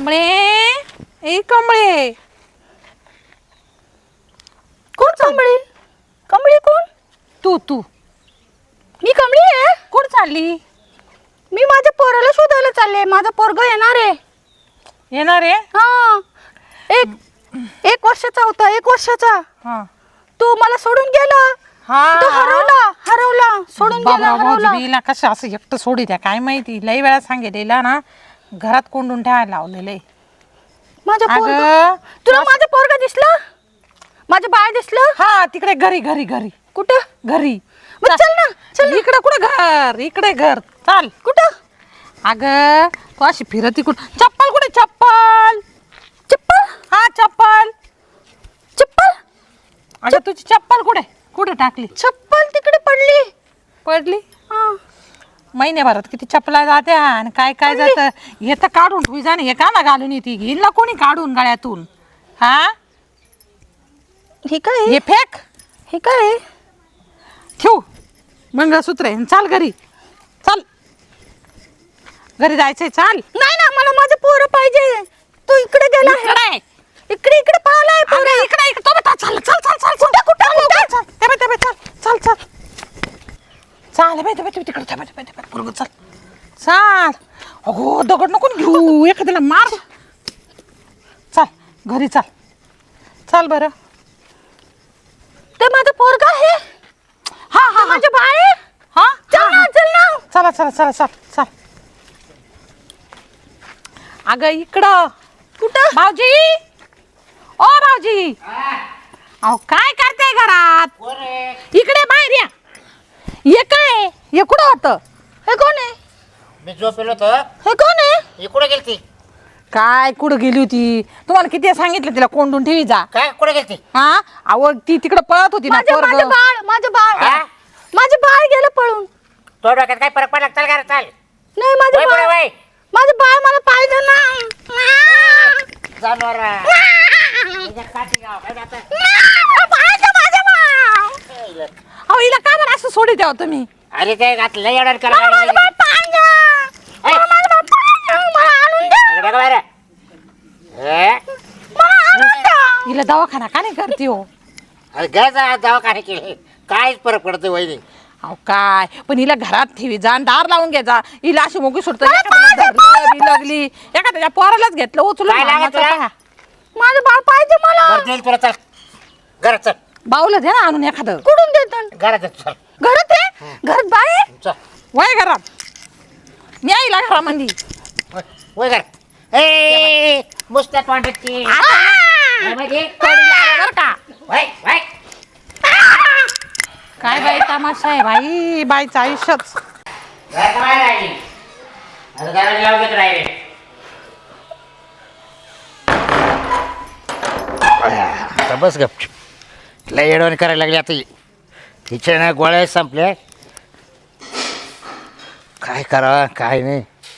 कमळे ए कमळे कोण कमळी? कमळी कोण? तू मी कमळी आहे. कुठं चालली? मी माझ्या पोराला शोधायला चालले. माझा पोरगा येणार आहे. येणार आहे? हा, एक वर्षाचा होता. 1 वर्षाचा. हा तू मला सोडून गेला. हा तो हरवला सोडून गेला, हरवला. बाबा कसं असं एकटं सोडी द्या काय माहिती. लई वेळा सांगितलेला ना घरात कोंडून ठेवायला लावलेलं आहे. माझा पोरगा. अगं, तुला माझा पोरगा दिसला? माझं बाळ दिसलं? हा तिकडे घरी कुठं? घरी. मग चल ना, चल. इकडे कुठं घर? इकडे घर. चाल. कुठं? अगं तू अशी फिरती कुठं? चप्पल कुठे? चप्पल हा चप्पल. अगं तुझी चप्पल कुठे टाकली? चप्पल तिकडे पडली. हा. महिन्याभरात किती चपला जात्या आणि काय जातं. हे तर काढून ठेवी जाणे. हे का ना घालून येते घेईन ना कोणी काढून गळ्यातून. हा हे काय? हे फेक. हे काय? ठेव मंगळसूत्र आहे. चाल घरी. चाल घरी जायचंय. चाल. नाही ना, मला माझं पोरं पाहिजे. तू इकडे गेला आहे. इकडे पाहिलाय पोरं. इकडे तो बता. चल तिकडे चाल. अगो दगड नको घेऊ. एखाद्याला मार. चाल घरी चाल बरं. ते माझं पोरगा आहे. हा माझं बाळ आहे. हा चल ना. चला. अगं इकडं. कुठं? भाऊजी. ओ भाऊजी. अहो काय करते घरात? इकडे बाहेर या. हे काय? हे कुठं होतं? हे कोण आहे? मी झोपेलो होतो. हे कोण आहे? ही कुठे गेलती? काय कुठं गेली होती? तुम्हाला किती सांगितलं तिला कोंडून ठेवी जा. काय कुठे गेलती? हा अहो ती तिकडं पळत होती ना माझं पोरगं. बाळ. हा? माझं बाळ गेलं पळून. तो डोक्यात काय फरक पडला? चल घरात चल. नाही, वय पुढे वय. माझं बाळ मला पाहिजे ना. जानवर. अहो हिला का बरं असं सोडी द्यावं तुम्ही? अरे ते घातलं एवढं करा. हिला दवाखाना का नाही करते हो? अरे घ्यायचा दवाखाने केले काहीच फरक पडतो वहिनी. अहो काय पण हिला घरात ठेवी जा आणि दार लावून घ्यायचा. हिला अशी मोगी सोडतो. लागली एखाद्या पोरालाच घेतलं उचलून. काय लागत तुला? माझं बाळ पाहिजे मला. बरं देईल तुला. चल घरात चल. बाऊला द्या ना आणून एखादं. कुठून देतात? घरात चल. घरात आहे. घरात बाळ आहे. चल वय घरात. मी आईला घरामध्ये. वय घरात. ए मुस्त्यात वाटत काय बाई तमाशा आहे बाई. बाईचं आयुष्यच. बस गप. लय येडवणी करायला लागली आता. हिच्या ना गोळ्या संपल्या. काय करावं काय नाही.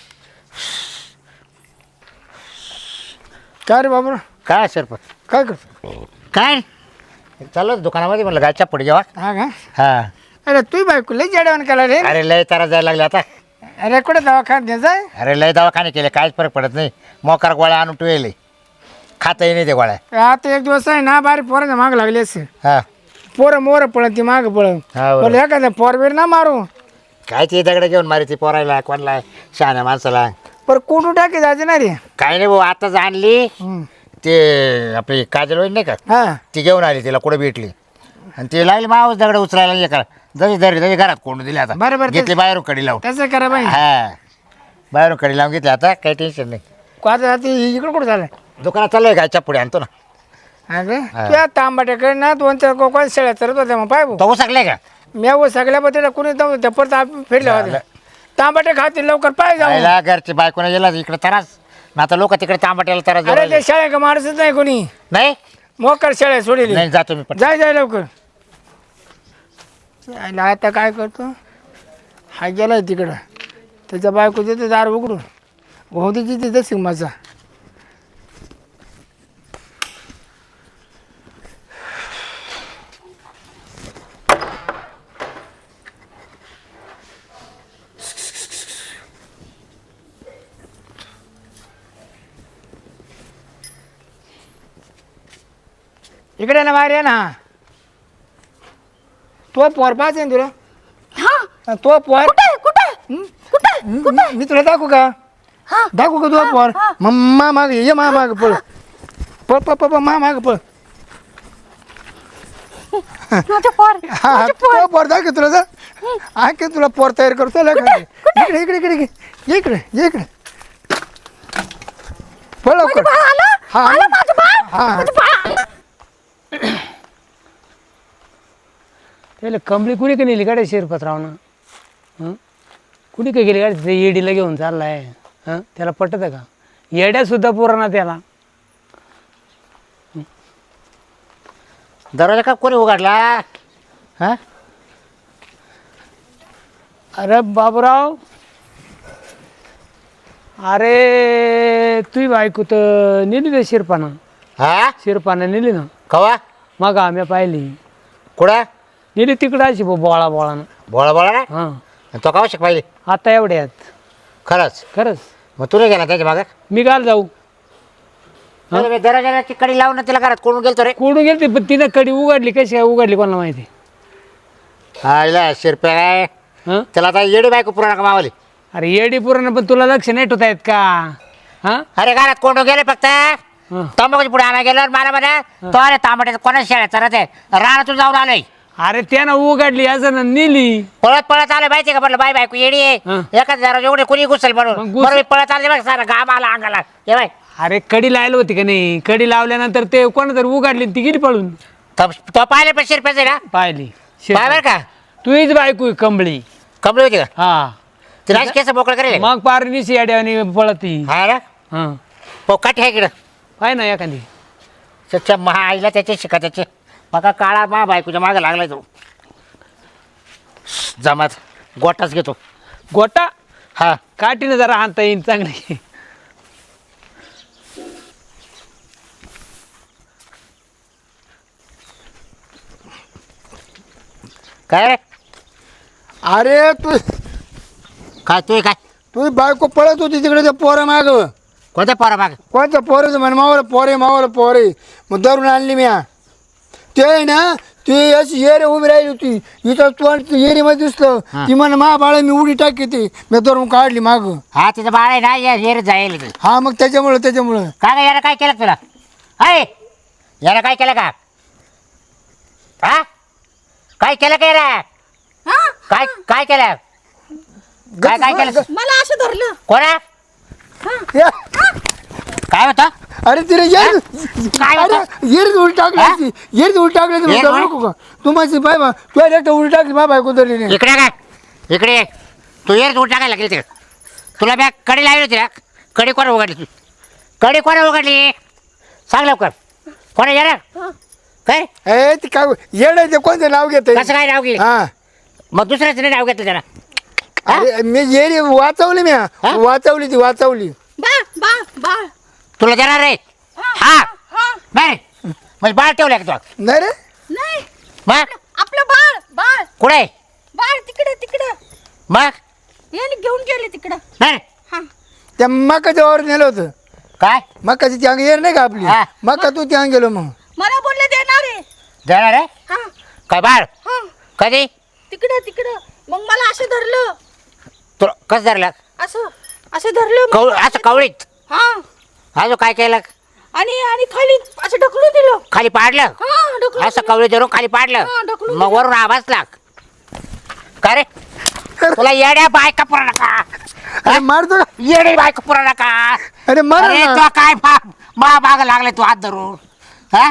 काय रे बाबा? काय सरपंच काय करतो? काय चाललं दुकानामध्ये म्हणलं गायच्या पुढे जेव्हा. हा का? हा अरे तू बायको लय जेवण केला रे. अरे लय तारा जायला लागले आता. अरे कुठे दवाखान्यात जाय. अरे लय दवाखाने केले काहीच फरक पडत नाही. मोकार गोळ्या आणून ठेवले खाताही नाही ते गोळ्या. आता एक दिवस आहे ना बारी पोरांच्या माग लागली असे. हा पोरं मोर पळत ती माग पळत. हा पण एखाद्या पोरबीर ना मारू. काय ते दगड घेऊन मारी ती पोरायला कोणाला शहाण्या माणसाला. पर कोण टाकी जायचे ना रे. काही नाही भाऊ आताच आणली. ते आपली काजल वहिनी नाही का हा ती घेऊन आली. तिला कुठे भेटली आणि ती लागली मावस दगड उचलायला एका जरी घरात कोंडून दिली. आता बरोबर घेतली बाहेरून कडी लावून. तसं करा बाई. हा बाहेरून कडी लावून घेतली. आता काही टेन्शन नाही. आता इकडं कुठं झालं? दुकानात चाललंय गायच्या पुढे आणतो ना. अरे त्या तांबाट्याकडे ना 2-4 कोकण शेळ्या चरत होत्या. मग पाय भाऊ तो सगळे का मी सगळ्या बद्दल कोणी त्या परत फिरल्या होत्या. तांबाटे खातील लवकर पाय जाऊ. जायला घरचे बायकोने गेला इकडे त्रास. आता लोक तिकडे तांबाट्याला त्रास अरे ते शाळा का माणूसच नाही कोणी. नाही मोकर शाळा सोडली. नाही जातो मी पण. जाय लवकर. आता काय करतो हा गेलाय तिकडं. त्याच्या बायको देतो दार उघडून. होती तिथे तशी माझा. इकडे ना बाहेर ये ना. तो पोर पाच आहे तुला. हा तो पोर कुठे मी तुला दाखवू का? दाखवू का तुला पोर? मग मा माग ये मा माग पळ पळ पळ पळ मा माग पळ. माझं पोर हा तो पोर दाखव तुला जा. आणखी तुला पोर तयार करतो इकडे इकडे इकडे इकडे इकडे इकडे पळ लवकर. हा हा त्याला कंबळी कुणी का नेली गाड्या शिरपतरावनं? हं कुणी का गेली गाडी? ते येडीला घेऊन चाललाय. हं त्याला पटत का? येड्यासुद्धा पुराणा त्याला. दरवाजा का कोणी उघडला? हा अरे बाबूराव, अरे तुही बायको तर नेली ना शिरपानं. हा शिरपानं नेली ना. कवा मग आम्ही पाहिली. कुठं नेली तिकडं अशी बोळा बोळानं. बोळा बोळा ना. हां तो कवा शिक पाहिजे आता एवढ्यात. खरंच. खरंच मग तुला गेला त्याच्या मागं. मी काल जाऊ. दरवाजाची कडी लावून तिला घरात कोण गेलतो रे. कोडून गेलती पण तिनं कडी उघडली. कशी काय उघडली कोणाला माहिती. हा शिरप्या काय हं त्याला आता येडी बायको पुराणा का मावली. अरे येडी पुराण पण तुला लक्ष नाही ठेवता येत का? हां अरे घरात कोण गेले फक्त हं. तंबाखूच्या पुढे आणा गेल्यावर मला म्हणा तो अरे तांबट्याचं कोणाच शाळेत चरत आहे रानातून जाऊन आलोय. अरे त्यानं उघडली असं ना नेली. पळत पळत आलं माहिती का म्हटलं बाय बायको येडी आहे हं. एखाद जरा एवढे कोणी घुसल मग म्हणून घुस- बरोबर पळत आले बघ सारा घाम आला अंगाला ये बाय. अरे कडी लायला होती का नाही? कडी लावल्यानंतर ते कोण तरी उघडली आणि ती गेली पळून. तो पाहिले पण शिरप्याचे ना पाहिली पाय बरं का तुझीच बायको आहे कंबळी. कमली होती का हा ती राज केस मोकळं करेल मग पारणीची याड्याने पळती. हा ना हा पोकाठी आहे इकडं पाय ना एखादी. त्याच्या महा आईला त्याचे शिका त्याचे मका काळा मा बायकोच्या मागे लागलाय तो जमात गोटाच घेतो गोटा हा काठीनं जरा हाणता येईल चांगली. काय रे अरे तू काय तू काय तुझी बायको पळत होती तिकडे त्या पोरा माग. कोणत्या पोरा माग कोणत्या पोरेचं म्हण मावलं पोरे मग धरून आणली मी. ते आहे ना ती अशी येरे उभी राहिली होती इथं तू येरीमध्ये दिसलं. ती म्हण मा बाळा मी उडी टाकी ती मी धरून काढली माग. हा तिचं बाळ आहे ना येर जाईल ते. हा मग त्याच्यामुळं काय यानं काय केलं तुला हाय यानं काय केलं का हा काय केलं काय रे काय काय केलं काय काय केलं मला असं धरलं. कोणा या. काय होतं अरे तिने येर काय अरे होतं येरीत उडी टाकली येरीत उडी टाकली येर धरू उडी? नको का तू माझी पाय बा तू एकटा उडी टाकली मा बायको धरली नाही. इकडे काय इकडे ये. तू येर दूर टाकायला लागेल तिकडे तुला बॅग कडी लावली होती ना कडी कोणा उघडली तू कडी कोणा उघडली सांग लवकर कोणा येणार काय ए ती काय येड आहे ते कोणतं नाव घेत कसं काय नाव घे हा मग दुसऱ्याच नाही नाव घेतलं त्याला अरे मी येरी वाचवली मी वाचवली ती वाचवली. बाळ तुला देणार रे हा नाही म्हणजे बाळ ठेवलं का तू नाही रे नाही मग आपलं बाळ कुठे बाळ तिकडे मग याने घेऊन गेले तिकडं. नाही हा त्या मकाच्या वर नेलं होतं. काय मकाची ती अंग येर नाही का आपली हा. मका तू त्या गेलो मग मला बोलले देणार आहे. देणार रे हा काय बाळ हा कधी तिकडं मग मला असं धरलं. तुला कसं धरलं असं धरलं मग. असं कवळीत हा अजून काय केलं आणि खाली असं ढकलून दिलं. खाली पाडलं हा ढकलून असं कवळी धरून खाली पाडलं हा, ढकलून मग वरून आवाज लाग काय रे तुला येड्या बायका पुरा का अरे मारतो का येडी बायका पुरा नका अरे मार अरे ना. तुला काय मा माग लागले तू हात धरून हा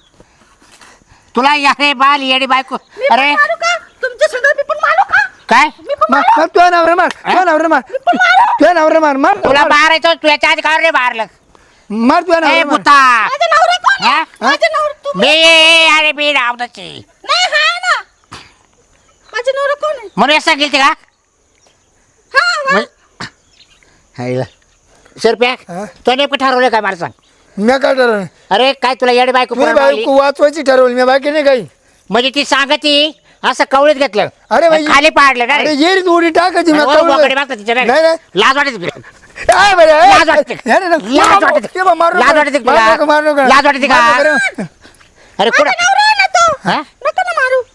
तुला अरे बाल येडी बायको मी पण अरे मारू का तुमच्या सगळं मी पण मारू का काय मी पण मार तू नवरे मार तू नवरे मार तू नवरे मार मार तुला मारायचं तू याच्या आधी का रे मारलं मार तू ए नवरे मार बुता माझा नवरा कोण आहे? हा? माझा नवरा तू मी अरे मी रावणाची नाही हाय ना. माझा नवरा कोण आहे? म्हणून असं गेलते का हा हायला शेरप्या हा? तो नेमकं ठरवलं काय मला सांग मी काय ठरवलं अरे काय तुला येडी बायको मी पुरा लावली? बायको वाचवायची ठरवली मी बाकी नाही काही. म्हणजे ती सांगती असं कवळीत घेतलं अरे बाई, खाली पाडलं ना अरे रे. येरीत उडी टाकायची मी वर कळलं. बोकडे बघतात तिच्या नाही नाही. नाही लाज वाटते तुला? ए बरं, ए, लाज वाटते. नाही, नाही, नाही. लाज वाटते. ये बा, मारू लाज नका. वाटते तुला? मारू नका, मारू नका. लाज वाटते का? मारू नका रे. अरे कुठं नवरा आहे ना तो. हा नका ना मारू.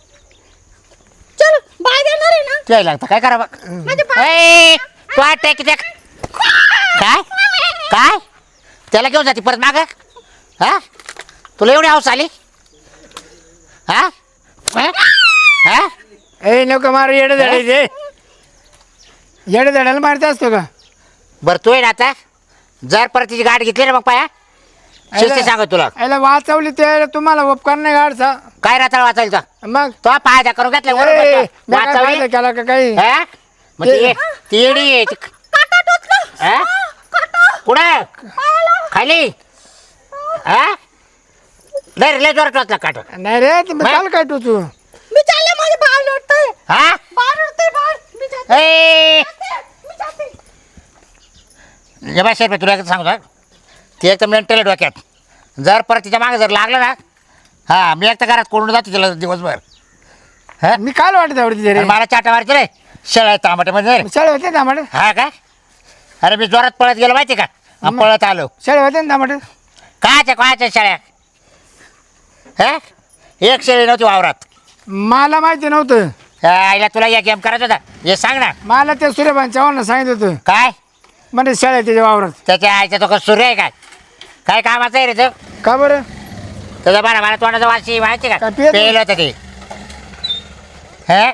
चल बाय देणार आहे ना. ते लागतं काय करावं माझे बाय. ए, तू आठ टेक टेक. काय काय त्याला घेऊन जाते परत माग हा तुला एवढी हाऊस आली हा हा? हा? ए नको मारू येडे धडायचे येडे धडायला मारत असतो का बरं तू आहे ना आता जर परत तिची गाठ घेतली ना मग पाया शिस्ती सांगत तुला याला वाचवली ते तुम्हाला उपकार नाही गाडचा काय राहता वाचायचा मग तो फायदा करून घेतला ए, बरोबर मी काय वाचवली फायदा केला का काही हा? मग ती येडी आहे काटा टोचला. हा? कुठं खाली हा नाही लय जोरात वाचला काट नाही रे तुम्ही चाल काय तू मी चालले माझे बाळ लोटतंय. हा बाळ लोटतंय बाळ. मी जाते. ए मी जाते. जबा शेर तुला एक सांगू ते एक तर मेंटल डोक्यात जर परत तिच्या मागे जर लागलं ना हा मी एक तर घरात कोंडून जातो तिला दिवसभर हा मी काल वाटत आवडते आणि मला चाटा मारते रे शेळ्या तांबाट्यामध्ये शेळे होते ना टमाटे हा का अरे मी जोरात पळत गेलो माहिती का आणि पळत आलो शेळे होते ना टमाटे कायच्या शेळ्या हा एक शेळी नव्हती वावरात मला माहिती नव्हतं आईला तुला या गेम करायचा होता हे सांग ना मला ते सूर्यभान चव्हाण सांगितलं होतं काय म्हणजे शेळ्या त्याच्या वावरात त्याच्या आईचा तो का सूर्य आहे काय काय कामाचं आहे रे तो का बरं त्याचा बरा मला तोंडाचा वाशी माहिती का काय पियत नाही? पेलं होतं ते हा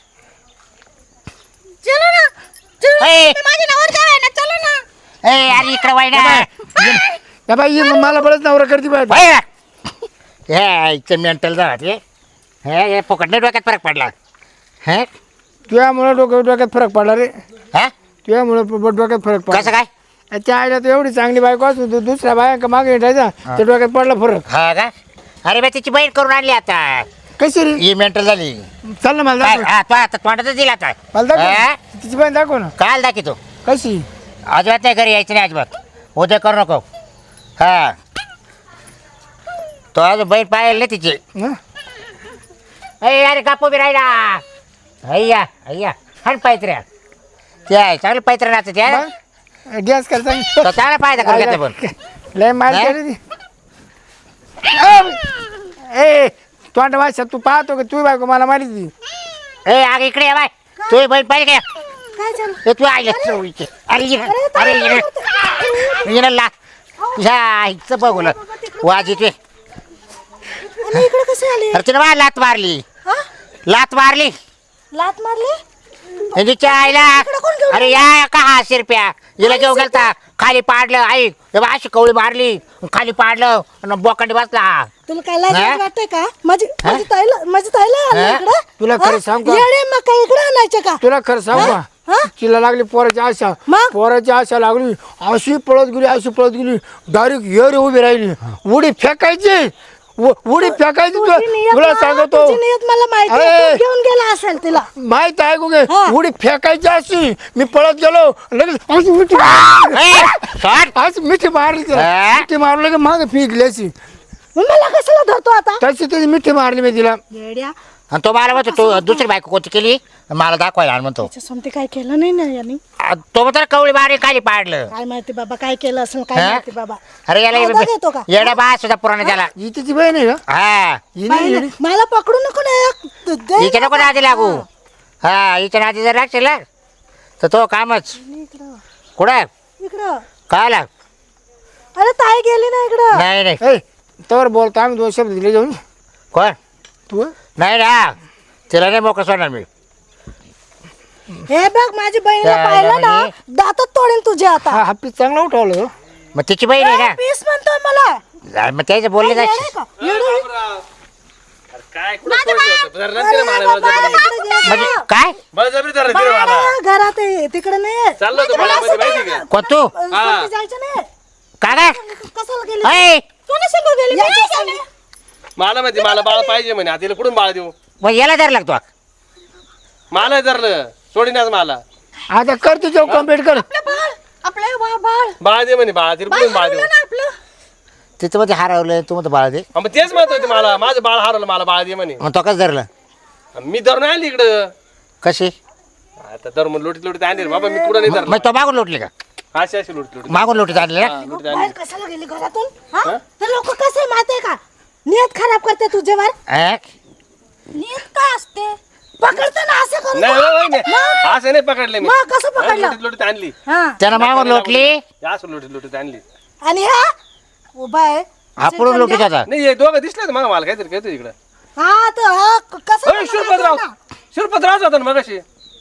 चलो ना. चलो. ए. मी माझे नवरदेव आहे ना. चलो ना. ए अरे इकडे वाईना या बाई मला बरंच नवरा करते पाहिजे हे इथं मेंटल जात हे फुकट डोक्यात फरक पडला हे तुझ्यामुळे डोक्यात फरक पडला रे हा तुझ्यामुळे डोक्यात फरक कसं पडला काय त्या आईला तर एवढी चांगली बायको असून तू दुसऱ्या बायका मागे हिंडायचा त्या डोक्यात पडला फरक हा का अरे मी तिची बहीण करून आणली आता कशी रे ही मेंटल झाली चल ना मला काय दाखव हा तो आता तोंडातच दिला आता मला हा? दाखव तिची बाई दाखव ना काल दाखी तो कशी अजिबात नाही घरी यायचं नाही अजिबात उद्या करू नको हा तो अजून बहीण पाहिली नाही तिची हं? अरे गप्पू बी राहिला अय्या अय्या हण पायत्र्या ते आहे चांगलं पायत्र्या नाचत त्या मग गॅस कर सांग तो चांगला फायदा करून घेतला पण लय मार हा? केली ती. ए तोंड वाशा तू पाहतो का तू बायको मला मारी ती ए आग इकडे ये बाय तू बहीण पाहिजे काय काय झालं? ए तू आईला चवळीचे अरे ये ला ह्या आईचं बघून वाजीचे आणि इकडे कसे आले? अरे तिने मला लात मारली हा? लात मारली लात मारली? तिच्या आईला अरे या का हा शिरप्या हिला घेऊन गेलता खाली पाडलं आई अशी कवळी मारली खाली पाडलं आणि बोकांडी बसला तुला काय लाज हा? वाटतंय का? माझी ताईला आणलं हा? इकडं? तुला हा? खरं सांगू का? येडे मग काय इकडे आणायचे का? तुला खरं सांगू हा? का तिला लागली पोराची आशा मग? पोराची आशा लागली अशी पळत गेली डायरेक्ट येरी उभी राहिली उडी फेकायची उडी फेकायची तुझी नियत तुला ना, सांगतो तुझी नियत मला माहिती आहे. अरे. तू घेऊन गेला असेल तिला. माहित आहे का गे? हा. उडी फेकायची अशी मी पळत गेलो लगेच अशी मिठी आज मिठी मारली तिला हा? मिठी मारली की मागे फेकली अशी मग मला कशाला धरतो आता? तशी त्याची मिठी मारली मी तिला येड्या, आणि तो मला म्हणतो तू दुसरी बायको कोणती केली मला दाखवायला आणि म्हणतो त्याच्यासमोर काय केलं नाही ना यांनी. तो म्हणतो कवळी मारली खाली पाडलं काय माहिती बाबा काय केलं असेल काय हा? माहिती बाबा. अरे फायदा घेतो याला का? येडा बा सुद्धा पुराणा त्याला ही तिची बहीण आहे का हा ही नाही पाहिलं? येडी. मला पकडू नको ना. दे हिच्या नको ना. नादी लागू हा हिच्या नादी जर लागशील ना, तर तो कामच इकडं कुठं इकडं. काय लाग अरे ताई गेली ना इकडं. नाही नाही ए तर बोलतो आम्ही दोन शब्द दिले जाऊन कोण तू नाही ना तिला नाही मोकळं सोडणार मी हे बघ माझी बहिणीला त्या पाहिलं ना म्हणजे? दातात तोडेन तुझे आता. हा पीस चांगला उठवलं हो. मग तिची बहीण आहे पीस म्हणतो मला. ना मग त्याचं बोलले येडे जायचं का? येडे? काय कुठं सोडलं होतं? जरा नंतर मला बळजबरी. म्हणजे काय बळजबरी धरलं तिने मला. बाळा, घरात आहे तिकडे नाही. चाललो होतो मला मळ्यामध्ये, असं माहिती नाही का? कोण तू ना. जायचं नाही. काय काय कशाला गेली? ऐ, कोणी संग गेली? यायचं. मला माहिती मला बाळ पाहिजे म्हणे आता तिला कुठून बाळ देऊ मग याला धर लागतो मला धरलं सोडीनाच मला आता कर तुझ्या कम्प्लीट कर आपलं बाळ, आपलं बाळ बाळ दे म्हणे बाळ तिला बाळ कुठून बाळ हरवलं देऊ ना आपलं. तिथं मध्ये हरवलं तू म्हणतो बाळा दे हा, मग तेच म्हणत होते मला माझं बाळ हरवलं मला बाळ दे म्हणे मग तो कसं धरलं मी धरून आली इकडं कशी आता धरून लोटीत लोटीत आणली रे बाबा मी कुठं नाही धरलं मग तो मागून लोटली का अशी अशी लोटीत लोटीत मागून लोटीत आणली ना लोटीत बाहेर आणली कशाला गेली घरातून? हा? हे लोक कसे माहितीये का? नियत खराब करते तुझ्यावर हा? नियत काय असते पकडते ना असं करून नाही होय, नाही. असं नाही पकडले मी मग कसं पकडलं? लोटीत लोटीत आणली हा त्यानं मागून लोटली असं लोटीत लोटीत आणली आणि हा उभा आहे आपण लोटीत होता नाही हे दोघं दिसले मग मला काहीतरी काहीतरी इकडं हा तर हा कसं होय, शिरपतराव होता ना मग अशी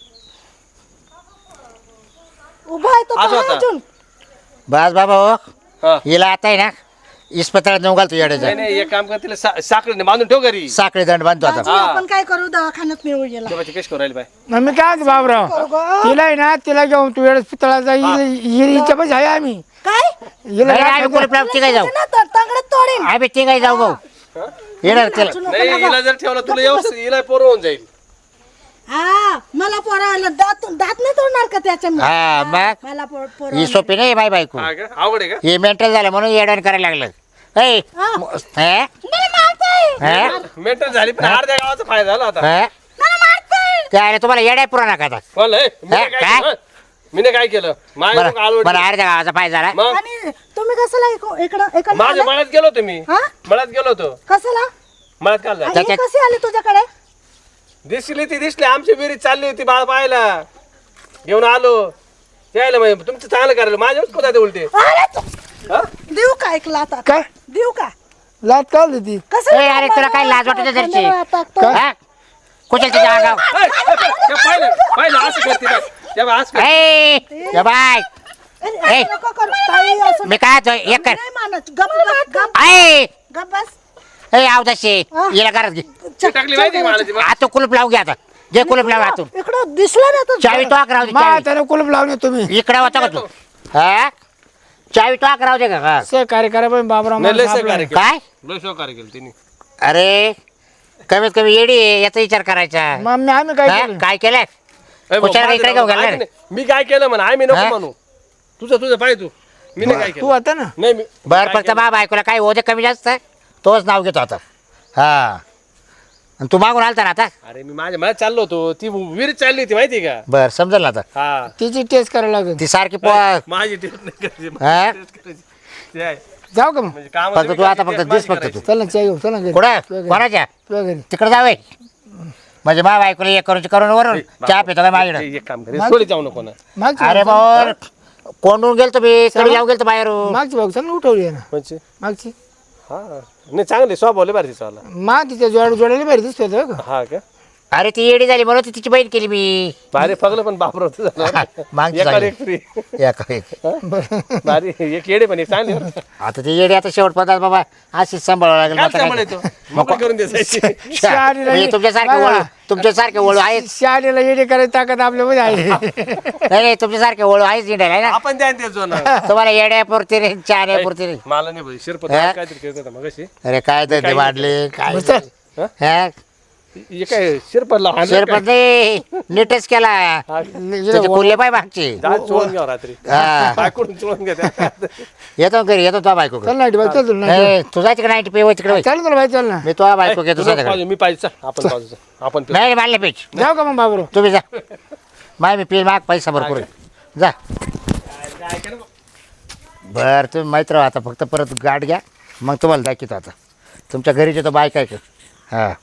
उभा आहे तो असं पहा होता. अजून बस बाबा हो हा हिला आता आहे ना इस्पताळात नेऊन घालतो येड्याचा नाही नाही एक काम कर तिला साखळीने बांधून ठेव घरी साखळी दंड बांधतो आता दाजी, आपण काय करू दवाखान्यात मिळू गेला तेव्हा कशी करू राहिली बाय मग मी काय म्हणतो बाबराव तिला आहे ना तिला घेऊन तू वेळेस पितळाचा हिरीच्या पैसे आहे आम्ही काय हिला नाही, काय आम्ही कुलूप लावून तिघाही जाऊ तंगडत तोडीन आम्ही तिघाही जाऊ भाऊ येणार तिला नाही हिला जर ठेवला तुला व्यवस्थित हिला पोरं होऊन जाईल हा मला पोराला दात नाही तोडणार का त्याच्या हा मग मला पोर ही सोपी नाही बाय बायको हा का अवघड आहे का हे मेंटल झालं म्हणून येडवण करायला लागलं ऐ, हा? हा? मेंटल झाली पण अर्ध्या गावाचा फायदा झाला आता हा? काय तुम्हाला येड्या पुराणा का आता? बोल हे, मी हा, काय काय? केलं? मी काय केलं माझ्या बरं आलवड बरं अर्ध्या गावाचा फायदा झाला मग आणि तुम्ही कसला इकडं इकडं माझ्या मळ्यात गेलो होतो मी हा? मळ्यात गेलो होतो कसला मळ्यात काल आणि हे त्याच्यात- कसे आले तुझ्याकडे दिसली ती दिसली आमची विहिरीत चालली होती बाळ पाहायला घेऊन आलो यायला मग तुमचं चांगलं करायला माझ्याच कोणता उलटे अरे तू- हा? देऊ का ऐकला आता काय देऊ का लात का आली ती कसं ए, अरे तुला काय लाज वाटत घरची हा? कुठे तिच्या अंगावर ए, ए, पाहिलं पाहिलं असं करते बाय या बाय, असं करते. ए, या बाय ए. नको करू ताई, असं मी काय म्हणतो, एक कर नाही मानत गप बस, गप ऐ गप बस ए आवदाशी हिला घरात घे ती टाकली माहिती का मला ती आता कुलूप लावून घे आता जे कुलूप लाव आतून इकडं दिसला ना तो चावी टॉक राहू दे मा चावी. त्याने कुलूप लावले तुम्ही इकडे होता का तू हा चावी टॉक राहू दे का हा. सहकार्य करा पण बाबराव नाही लय माणूस आपला सहकार्य आहे. केलं. काय लय सहकार्य केलं तिने अरे कमीत कमी येडी आहे, याचा विचार करायचा मग आम्ही काय हा? केलं काय केलंय ए, भाऊ, कुशाला माझं इकडे नाव घेऊन गेला ऐक रे. नाही. मी काय केलं म्हणा आम्ही नको हा? म्हणू तुझं पाहिजे तू मी नाही काय तू केलं आता ना नाही मी बर काय फक्त केलं? बा बायकोला काय होते कमी जास्त तोच नाव घेतो आता हा आणि तू मागून आलता ना आता अरे मी माझ्या मला चाललो होतो ती विहिरीत चालली होती माहिती का बर समजेल ना आता हा तिची टेस्ट करायला लागेल ती सारखी माझी टेस्ट नाही करायची हा? माझी टेस्ट करायची. ते आहे. जाऊ का मग म्हणजे कामाचं फक्त मी तू आता करायची, फक्त माझी दिस फक्त करायची. तू चल ना चाय घेऊ चल ना घरी कुठं कोणाच्या तुझ्या घरी तिकडे जावे म्हणजे मा बायकोला एक करून वरून चहा पितो काय माझ्याकडे एक काम कर सोडी जाऊ नको ना मागची अरे भाऊ कोंडून गेलतो मी कडे जाऊन गेलतो बाहेरून मागची भाऊ चल ना उठवली आहे ना म्हणजे मागची हा नाही चांगली स्वभाव लय भारी तिचा वाला. मा तिच्या जोडायला बरी दिसतो होतं का हा का अरे ती येडी झाली म्हणून ती तिची बहीण केली मी भारी फगलं पण बापरा मागची एकावर झाली. एक फ्री एक. भारी एक येडे पण एक चांगली बरं. आता ती येडी आता शेवट पदार्थ बाबा अशीच सांभाळावं लागेल काय आता काय. सांभाळायचो मोकळं करून द्यायची म्हणजे तुमच्यासारखे वळू तुमच्यासारखे वळू आहेत शाळेला येणे करायची ताकद आपल्यामध्ये आहे नाही नाही तुमच्यासारखे वळू आहेच इंडियाला आहे ना आपण द्या ते जो ना तुम्हाला येड्या पुरती रे चहा पुरती रे मला नाही भाई शिरपत हा? काहीतरी करत होता मग अशी अरे काय तर ते वाढले काय हा? हा? हे काय शिरपतला हाणलं शेरपत नाही नीटच केला त्याचे खुल्ले पाय मागचे काय? दात चोळून घ्या रात्री हा. बायकडून चोळून घ्या त्या. येतो घरी येतो तो बायको चल ना भाई चल तुला तू जायचं का नाही पे तिकडे चालेल तुला भाई चल ना मी तो बायको घेतो तुला सध्याकडे पाहिजे, मी पाहिजे चल, आपण पाहिजे चल. आपण पिऊ. नाही मारले पेच जाऊ का मग बाबराव तुम्ही जा माय मी पेल माग पैसा भरपूर आहे. जा बर तुम्ही माहीत राहा आता फक्त परत गाठ घ्या मग तुम्हाला दाखवतो आता तुमच्या घरीचे तो बाय काय हां